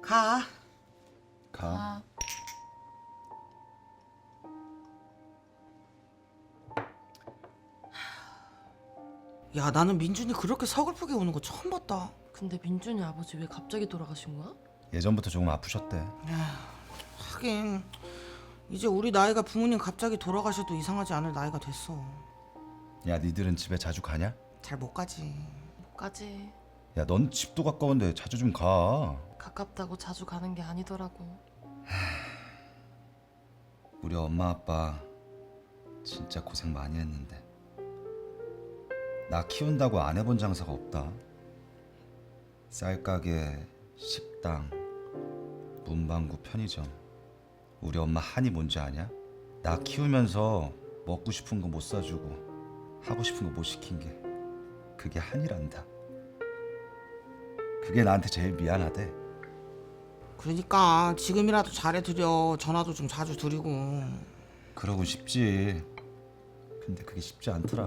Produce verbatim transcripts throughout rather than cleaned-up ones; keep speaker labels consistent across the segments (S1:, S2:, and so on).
S1: 가.
S2: 가.
S3: 아,
S1: 야, 나는 민준이 그렇게 서글프게 우는 거 처음 봤다.
S3: 근데 민준이 아버지 왜 갑자기 돌아가신 거야?
S2: 예전부터 조금 아프셨대.
S1: 하긴 이제 우리 나이가 부모님 갑자기 돌아가셔도 이상하지 않을 나이가 됐어.
S2: 야, 니들은 집에 자주 가냐?
S1: 잘 못 가지.
S3: 못 가지.
S2: 야, 넌 집도 가까운데 자주 좀 가.
S3: 가깝다고 자주 가는 게 아니더라고.
S2: 우리 엄마 아빠 진짜 고생 많이 했는데 나 키운다고 안 해본 장사가 없다. 쌀가게, 식당, 문방구, 편의점. 우리 엄마 한이 뭔지 아냐? 나 키우면서 먹고 싶은 거 못 사주고 하고 싶은 거 못 시킨 게 그게 한이란다. 그게 나한테 제일 미안하대.
S1: 그러니까 지금이라도 잘해드려. 전화도 좀 자주 드리고.
S2: 그러고 싶지. 근데 그게 쉽지 않더라.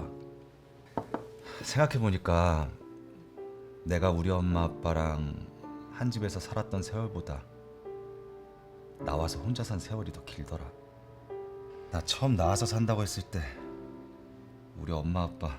S2: 생각해보니까 내가 우리 엄마 아빠랑 한 집에서 살았던 세월보다 나와서 혼자 산 세월이 더 길더라. 나 처음 나와서 산다고 했을 때 우리 엄마 아빠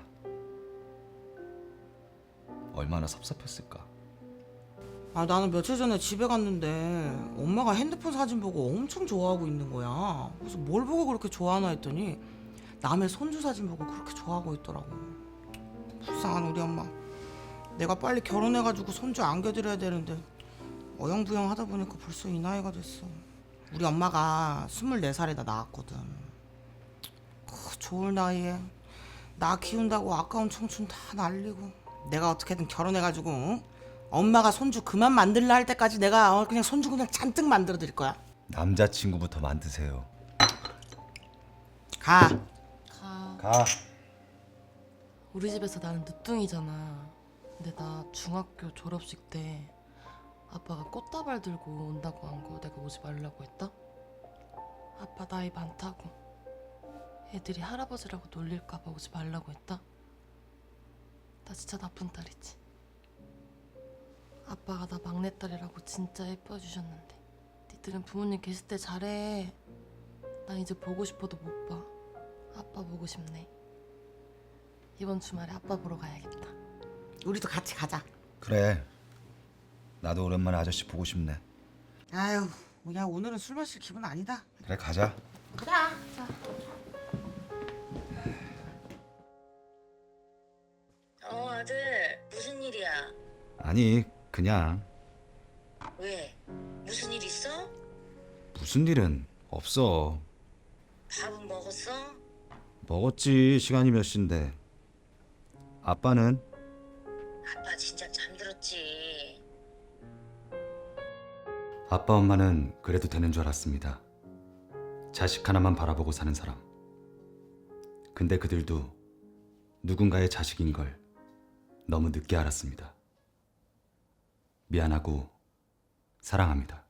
S2: 얼마나 섭섭했을까.
S1: 아, 나는 며칠 전에 집에 갔는데 엄마가 핸드폰 사진 보고 엄청 좋아하고 있는 거야. 그래서 뭘 보고 그렇게 좋아하나 했더니 남의 손주 사진 보고 그렇게 좋아하고 있더라고. 불쌍한 우리 엄마. 내가 빨리 결혼해가지고 손주 안겨드려야 되는데 어영부영 하다 보니까 벌써 이 나이가 됐어. 우리 엄마가 스물네 살에 나 낳았거든. 그 좋을 나이에 나 키운다고 아까운 청춘 다 날리고 내가 어떻게든 결혼해가지고 응? 엄마가 손주 그만 만들라 할 때까지 내가 어, 그냥 손주 그냥 잔뜩 만들어 드릴 거야.
S2: 남자친구부터 만드세요.
S1: 가.
S3: 가.
S2: 가.
S3: 우리 집에서 나는 늦둥이잖아. 근데 나 중학교 졸업식 때 아빠가 꽃다발 들고 온다고 한 거 내가 오지 말라고 했다? 아빠 나이 많다고 애들이 할아버지라고 놀릴까봐 오지 말라고 했다? 나 진짜 나쁜 딸이지. 아빠가 나 막내딸이라고 진짜 예뻐해 주셨는데 니들은 부모님 계실 때 잘해. 난 이제 보고 싶어도 못 봐. 아빠 보고 싶네. 이번 주말에 아빠 보러 가야겠다.
S1: 우리도 같이 가자.
S2: 그래. 나도 오랜만에 아저씨 보고 싶네.
S1: 아유, 뭐야 오늘은 술 마실 기분 아니다.
S2: 그래, 가자.
S1: 가자.
S4: 어, 아들, 무슨 일이야?
S2: 아니, 그냥
S4: 왜? 무슨 일 있어?
S2: 무슨 일은 없어.
S4: 밥은 먹었어?
S2: 먹었지. 시간이 몇 시인데. 아빠는?
S4: 아빠 진짜 잠들었지.
S2: 아빠 엄마는 그래도 되는 줄 알았습니다. 자식 하나만 바라보고 사는 사람. 근데 그들도 누군가의 자식인 걸 너무 늦게 알았습니다. 미안하고 사랑합니다.